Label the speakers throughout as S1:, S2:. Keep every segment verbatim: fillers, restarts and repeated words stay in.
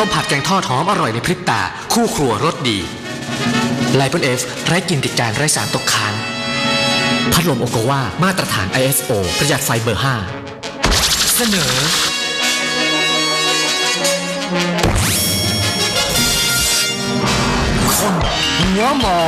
S1: มผัดแกงทอดหอมอร่อยในพริบตาคู่ครัวรสดีไลปอนเอฟไร้กลิ่นติดจานไร้สารตกค้างพัดลมโอโกวามาตรฐาน ไอ เอส โอ ประหยัดไฟเบอร์ห้าเสนอคนหัวหมอ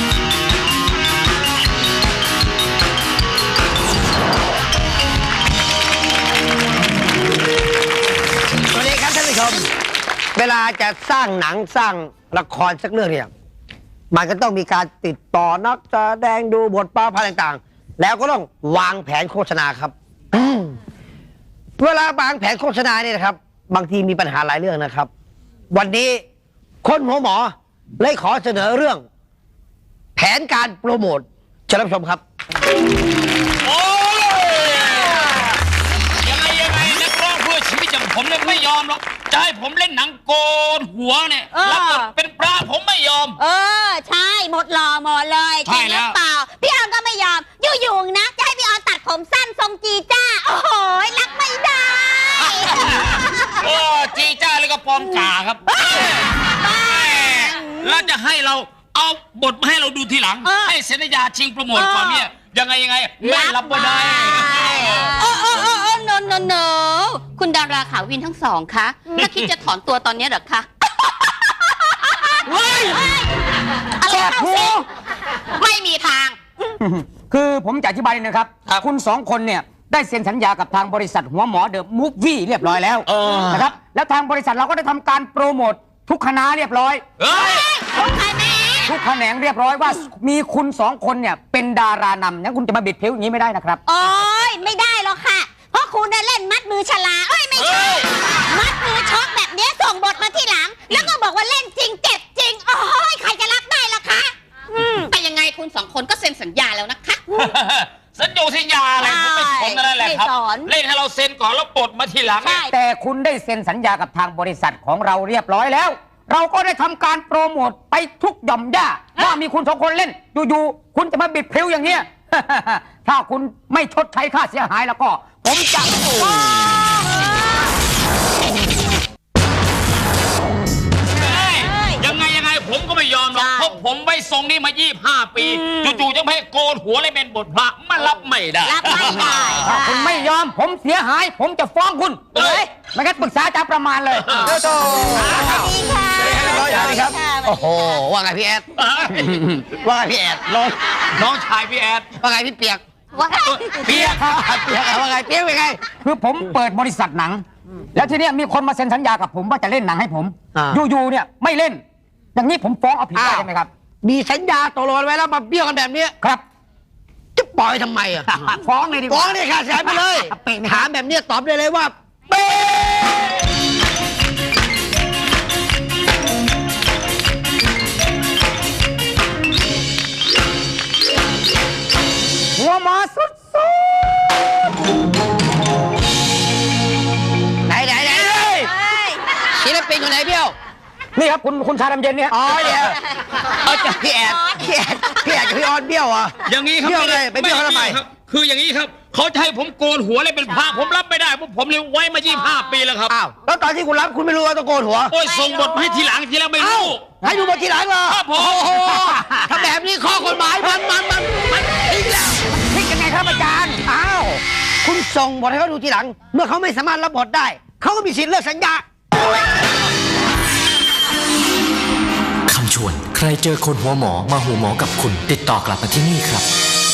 S2: สวัสดีครับท่านผู้ชมเวลาจะสร้างหนังสร้างละครสักเรื่องเนี่ยมันก็ต้องมีการติดต่อนักแสดงดูบทบาทต่างๆแล้วก็ต้องวางแผนโฆษณาครับเวลาวางแผนโฆษณาเนี่ยนะครับบางทีมีปัญหาหลายเรื่องนะครับวันนี้คนหัวหมอเลยขอเสนอเรื่องแผนการโปรโมทเชิญรับชมครับ
S3: โอ้ยยังไงยังไงนักร้องเพื่อชีวิตอย่างผมเนี่ยไม่ยอมหรอกจะให้ผมเล่นหนังโกนหัวเนี่ยรับบทเป็นปลาผมไม่ยอม
S4: เออใช่หมดหล่อหมดเลยจริงหรือเปล่าพี่ออนก็ไม่ยอมอยู่ๆนะจะให้พี่ออนตัดผมสั้นทรงจีจ้าโอ้โหรักไม่ได้
S3: โอ้จีจ้าแล้วก็ปอมจ่าครับแล้วจะให้เราเอาบทมาให้เราดูทีหลังให้เซ็นสัญญาชิงโปรโมทก่อนเนี่ยยังไงยังไงไม่รับไม่ได้
S4: โอ้โอ้โอ้โอ้โนโนโนคุณดาราขาววินทั้งสองคะถ้าคิดจะถอนตัวตอนนี้เหรอคะอะไรเข้าสิไม่มีทาง
S5: คือผมจะอธิบายนะครับคุณสองคนเนี่ยได้เซ็นสัญญากับทางบริษัทหัวหมอเดอะมูฟวี่เรียบร้อยแล้วนะครับแล้วทางบริษัทเราก็ได้ทำการโปรโมททุกคณะเรียบร้อย
S4: ทุกคณะ
S5: ทุกแขนงเรียบร้อยว่ามีคุณสองคนเนี่ยเป็นดารานำงั้นคุณจะมาบิดผิวอย่างนี้ไม่ได้นะครับ
S4: โอ้ยไม่ได้หรอกค่ะเพราะคุณได้เล่นมัดมือฉลาเอ้ยไม่ใช่มัดมือช็อกแบบนี้ส่งบทมาที่หลังแล้วก็บอกว่าเล่นจริงเจ็บจริงโอ้ยใครจะรับได้ล่ะคะแต่ยังไงคุณสองคนก็เซ็นสัญญาแล้วนะคะ
S3: สัญญาสัญญาอะไรผมไม่สนนั่นแหละครับเล่นให้เราเซ็นก่อนแล้วบทมาทีหลัง
S5: แต่คุณได้เซ็นสัญญากับทางบริษัทของเราเรียบร้อยแล้วเราก็ได้ทำการโปรโมทไปทุกหย่อมย่าว่ามีคุณสองคนเล่นอยู่ๆคุณจะมาบิดพริ้วอย่างเนี้ยถ้าคุณไม่ชดใช้ค่าเสียหายแล้วก็ผมจะ
S3: ยังไงยังไงผมก็ไม่ยอมหรอกเพราะผมไว้ทรงนี้มายี่สิบห้าปีจู่ๆจะให้โกนหัวเลยเป็นบทพระมันรับไม่ได้
S4: รับไม่ได้
S5: ถ้าคุณไม่ยอมผมเสียหายผมจะฟ้องคุณเลยไม่งั้นปรึกษาอาจารย์ประมาณเลยเด้อโต
S4: สวัสดีค่ะ
S2: สวัสดีครับโอ้โหว่าไงพี่แอดว่าไงพี่แอดน้อง
S3: น้องชายพี่แอด
S2: ว่าไงพี่เปียก
S4: ว่าไง
S2: เปียกครับเปียกว่าไงเปียกเป็นไง
S5: คือผมเปิดบริษัทหนังแล้วทีเนี้ยมีคนมาเซ็นสัญญากับผมว่าจะเล่นหนังให้ผมอยู่ๆเนี่ยไม่เล่นอย่างนี้ผมฟ้องเอาผิดได้ไหมครับ
S2: มีสัญญาตกลงไว้แล้วมาเบี้ยวกันแบบนี้
S5: ครับ
S2: จะปล่อยทำไมอ่ะ
S5: ฟ้องเลยดีกว่า
S2: ฟ้องเลยค่ะเสียไปเลยถามแบบนี้ตอบได้เลยว่าเป๊ะ
S5: หัวหมอสุด
S2: ๆไหนไหนไหนศิลปินคนไหนเบี้ยว
S5: นี่ครับคุณคุณชาดำเย็นเนี่ย
S2: อ๋อเนี่ยเอาจากพี่แอดพี่แอดพี่แอดกับพี่ออนเบี้ยวอ่ะ
S3: อย่างนี้ครับ
S2: เบี้ยวเลยไปเบี้ยวทำไม
S3: คืออย่างนี้ครับเขาจะให้ผมโกนหัวเลยเป็นพระผมรับไม่ได้เพราะผมเลี้ยงไว้มายี่สิบห้าปีแล้วครับ
S2: อ้าวแล้วตอนที่คุณรับคุณไม่รู้ว่าต้องโกนหัว
S3: โอ้ยส่งบทให้ทีหลังทีแล้วไม่รู้
S2: ให้ดูบททีหลังเหรอ
S3: ครับผม
S2: ถ้าแบบนี้ข้อกฎหมายมันมันมันมันทิ้งแล้ว
S5: ทิ้งยังไงครับอาจารย์
S2: อ้าวคุณส่งบทให้เขาดูทีหลังเมื่อเขาไม่สามารถรับบทได้เขาก็มีสิทธิ์เลิกสัญญา
S1: คำชวนใครเจอคนหัวหมอมาหูหมอกับคุณติดต่อกลับมาที่นี่ครับ